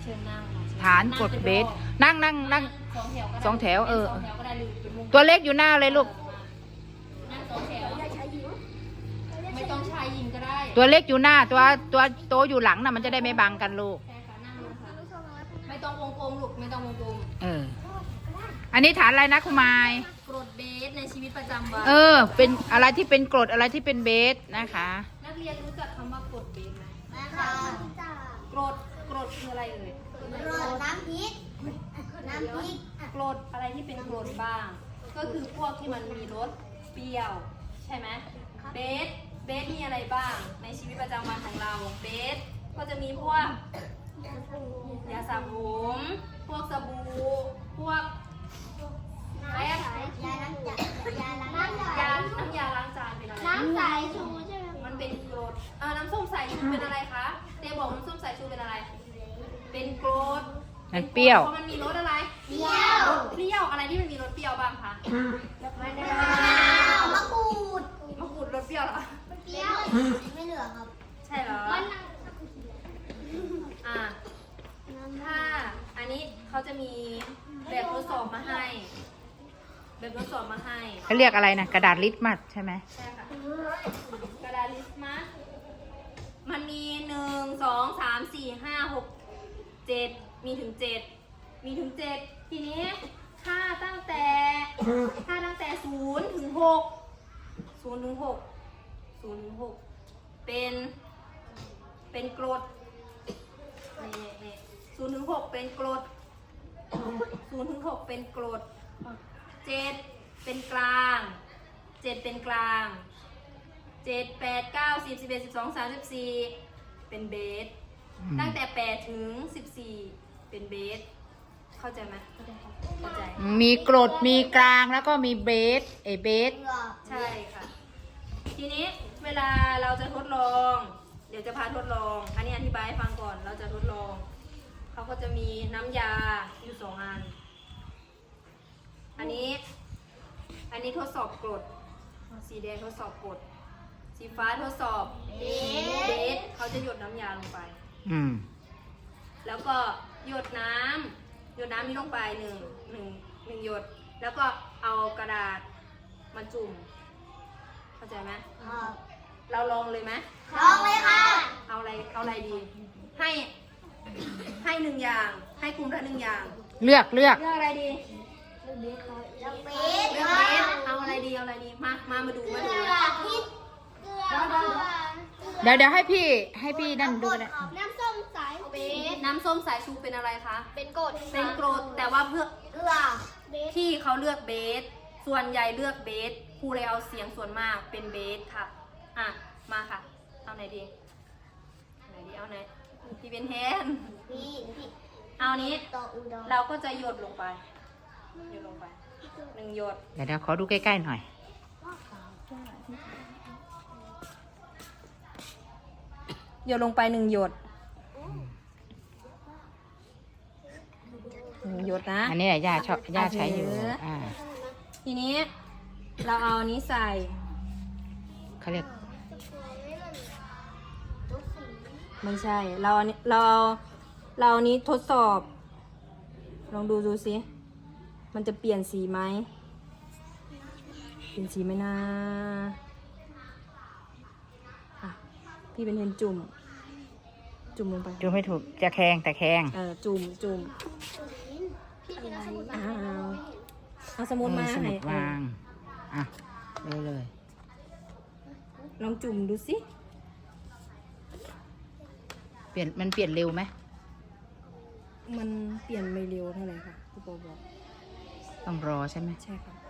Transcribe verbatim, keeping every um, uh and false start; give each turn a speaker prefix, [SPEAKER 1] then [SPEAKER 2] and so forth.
[SPEAKER 1] ชิญนั่งค่ะ
[SPEAKER 2] ฐานกดเบสนั่งนั่งนั่ง
[SPEAKER 1] สองแถวก็ได้
[SPEAKER 2] สองแถวเออ
[SPEAKER 1] สองแถวก็ได้หรือเป็นมุม
[SPEAKER 2] ตัวเล็กอยู่หน้าเลยลูก
[SPEAKER 1] นั่งสองแถวไม่ต้องชายหญิงก็ได้
[SPEAKER 2] ตัวเล็กอยู่หน้าตัวตัวโตอยู่หลังน่ะมันจะได้ไม่บังกันลูก
[SPEAKER 1] ใช่ค่ะนั่งลงค่ะไม่ต้องวงกลมลูกไม่ต้องวงกลม
[SPEAKER 2] เออ อันนี้ฐานอะไรนะคุณมาย
[SPEAKER 1] กรดเบสในชีวิตประจำวัน
[SPEAKER 2] เออ เป็นอะไรที่เป็นกรดอะไรที่เป็นเบสนะคะ
[SPEAKER 1] นักเรียนรู้จักคำว่ากรดเบสไหม
[SPEAKER 3] นะคะ
[SPEAKER 1] กรดกรดคืออะไรเอ่ย
[SPEAKER 3] รสน้ำพริก น้ำพริก
[SPEAKER 1] กรดอะไรที่เป็นกรดบ้าง ก็คือพวกที่มันมีรสเปรี้ยวใช่ไหมเบสเบสมีอะไรบ้างในชีวิตประจำวันของเราเบสก็จะมีพวกยาสระผมพวกสบู่พวกอะไรอะ
[SPEAKER 3] ยาล้างจานยาล้างจาน
[SPEAKER 1] ยาน้ำยาล้างจานเป็นอะไร
[SPEAKER 3] น้ำใสชูใช่ไหม
[SPEAKER 1] มันเป็นกรดเออน้ำส้มสายชูเป็นอะไรคะเต้บอกน้ำส้มสายชูเป็นอะไร เป็นกรด
[SPEAKER 2] มันเปรี้ยว
[SPEAKER 1] เพราะมันมีรสอะไร
[SPEAKER 3] เปรี้ยว
[SPEAKER 1] รสเปรี้ยวอะไรที่มันมีรสเปรี้ยวบ้างคะ
[SPEAKER 3] มะนาวมะกรูด
[SPEAKER 1] มะกรูดรสเปรี้ยวเหรอ
[SPEAKER 3] เปรี้ยวไม่เหลือครับ
[SPEAKER 1] ใช่เหรออ่าถ้าอันนี้เขาจะมีแบบทดสอบมาให้ แบบทดสอบมาให้
[SPEAKER 2] เขาเรียกอะไรนะกระดาษลิตมัสใช่ไหม
[SPEAKER 1] ใช่ค่ะกระดาษลิสต์มัสมันมีหนึ่งสองสามสี่ห้าหกเจ็ดมีถึงเจ็ดมีถึงเจ็ดทีนี้ถ้าตั้งแต่ถ้าตั้งแต่ศูนย์ถึงหกศูนย์ถึงหกศูนย์ถึงหกเป็นเป็นกรดนี่นี่ศูนย์ถึงหกเป็นกรดศูนย์ถึงหกเป็นกรดเจ็ดเป็นกลางเจ็ดเป็นกลางเจ็ดแปดเก้าสิบสิบเอ็ดสิบสองสามสิบสี่เป็นเบสตั้งแต่แปดถึงสิบสี่เป็นเบสเข้าใจไหมเข้าใจ
[SPEAKER 2] มีกรดมีกลางแล้วก็มีเบสเอเบส
[SPEAKER 1] ใช่ค่ะ ทีนี้เวลาเราจะทดลอง เดี๋ยวจะพาทดลอง อันนี้อธิบายให้ฟังก่อน เราจะทดลอง เขาก็จะมีน้ำยาอยู่สองอัน อันนี้ อันนี้ทดสอบกรด สีแดงทดสอบกรด สีฟ้าทดสอบเบสเขาจะหยดน้ำยาลงไป
[SPEAKER 2] อืม
[SPEAKER 1] แล้วก็หยดน้ำหยดน้ำนี้ลงไปหนึ่งหนึ่งหนึ่งหยด แล้วก็เอากระดาษมาจุ่ม เข้าใจไหม
[SPEAKER 3] ครับ
[SPEAKER 1] เราลองเลยไหม
[SPEAKER 3] ลองเลยค่ะ
[SPEAKER 1] เอาอะไร เอาอะไรดี ให้ ให้หนึ่งอย่าง ให้กลุ่มละหนึ่งอย่าง
[SPEAKER 2] เลือกเลือก
[SPEAKER 1] เลือกอะไรดี
[SPEAKER 3] แล้วเบส
[SPEAKER 1] เลือกเบสเอาอะไรดี เอาอะไรดี มา มา มาดู มาดู
[SPEAKER 3] เกลือพริกเกลือ
[SPEAKER 2] เดี๋ยวเดี๋ยวให้พี่ให้พี่นั่นดูนะ
[SPEAKER 3] น้ำส้มสายเบส
[SPEAKER 1] น้ำส้มสายชูเป็นอะไรคะ
[SPEAKER 3] เป็นกรด
[SPEAKER 1] เป็นกรด แต่ว่าเพื่อ
[SPEAKER 3] เกลือเบส
[SPEAKER 1] ที่เขาเลือกเบส ส่วนใหญ่เลือกเบสครูเลยเอาเสียงส่วนมากเป็นเบสค่ะ อ่ะ มาค่ะ เอาไหนดีไหนดี เอาไหนพี่เป็นแฮน
[SPEAKER 3] พี่พี่
[SPEAKER 1] เอานี้
[SPEAKER 3] ต่ออุดร
[SPEAKER 1] เราก็จะหยดลงไป หยดลงไปหนึ่งหยด
[SPEAKER 2] เดี๋ยวเดี๋ยวขอดูใกล้ๆหน่อย
[SPEAKER 1] หยดลงไปหนึ่งหยดหนึ่งหยดนะ
[SPEAKER 2] อันนี้แหละย่าชอบย่าใช้อยู่
[SPEAKER 1] เอออ่
[SPEAKER 2] อ่า
[SPEAKER 1] ทีนี้เราเอาอันนี้ใส่
[SPEAKER 2] เขาเรียก
[SPEAKER 1] ไม่ใช่ เราอันนี้เราเอาเราอันนี้ทดสอบ ลองดูดูสิ มันจะเปลี่ยนสีไหม เปลี่ยนสีไหมนะอ่ะพี่เป็นเห็นจุ่ม จุ่มลงไป
[SPEAKER 2] ดูไม่ถูกจะแข็งแต่แข็ง
[SPEAKER 1] เออ จุ่มจุ่มอ้าวเอาสมุดมา
[SPEAKER 2] เออสมุ
[SPEAKER 1] ให้
[SPEAKER 2] ดวางอ่ะเลยเลย
[SPEAKER 1] ลองจุ่มดูสิ
[SPEAKER 2] เปลี่ยนมันเปลี่ยนเร็วไหม
[SPEAKER 1] มันเปลี่ยนไม่เร็วเท่าไหร่ค่ะพี่โปบอก
[SPEAKER 2] ต้องรอใช่ไหม
[SPEAKER 1] ใช่ค่ะ